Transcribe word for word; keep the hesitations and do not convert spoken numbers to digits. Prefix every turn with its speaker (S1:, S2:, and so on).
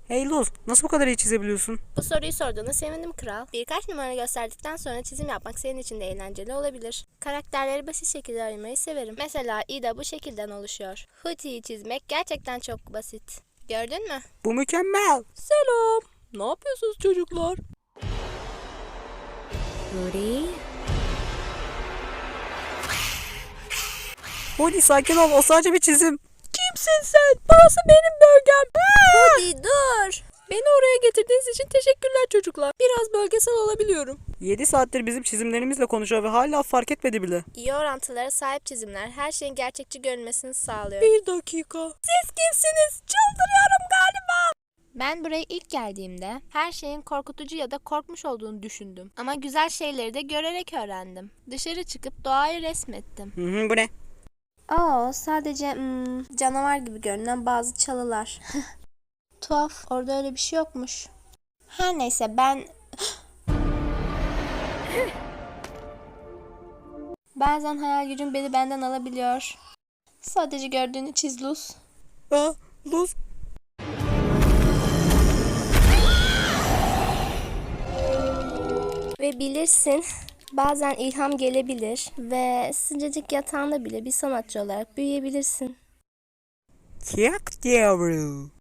S1: Hey Luz, nasıl bu kadar iyi çizebiliyorsun?
S2: Bu soruyu sorduğuna sevindim kral. Birkaç numara gösterdikten sonra çizim yapmak senin için de eğlenceli olabilir. Karakterleri basit şekilde aramayı severim. Mesela Ida bu şekilden oluşuyor. Hooty'yi çizmek gerçekten çok basit. Gördün mü?
S1: Bu mükemmel.
S3: Selam. Ne yapıyorsunuz çocuklar?
S2: Hooty.
S1: Hadi sakin ol, o sadece bir çizim.
S3: Kimsin sen? Burası benim bölgem.
S2: Hooty dur.
S3: Beni oraya getirdiğiniz için teşekkürler çocuklar. Biraz bölgesel olabiliyorum.
S1: yedi saattir bizim çizimlerimizle konuşuyor ve hala fark etmedi bile.
S2: İyi orantılara sahip çizimler her şeyin gerçekçi görünmesini sağlıyor.
S3: Bir dakika. Siz kimsiniz? Çıldırıyorum galiba.
S2: Ben buraya ilk geldiğimde her şeyin korkutucu ya da korkmuş olduğunu düşündüm. Ama güzel şeyleri de görerek öğrendim. Dışarı çıkıp doğayı resmettim.
S1: Hı hı, bu ne?
S2: Oo, sadece hmm, canavar gibi görünen bazı çalılar. Tuhaf, orada öyle bir şey yokmuş. Her neyse ben... Bazen hayal gücüm beni benden alabiliyor. Sadece gördüğünü çiz Luz.
S1: Aa, Luz.
S2: Ve bilirsin, bazen ilham gelebilir ve sıcacık yatağında bile bir sanatçı olarak büyüyebilirsin.
S1: Kyak yavru.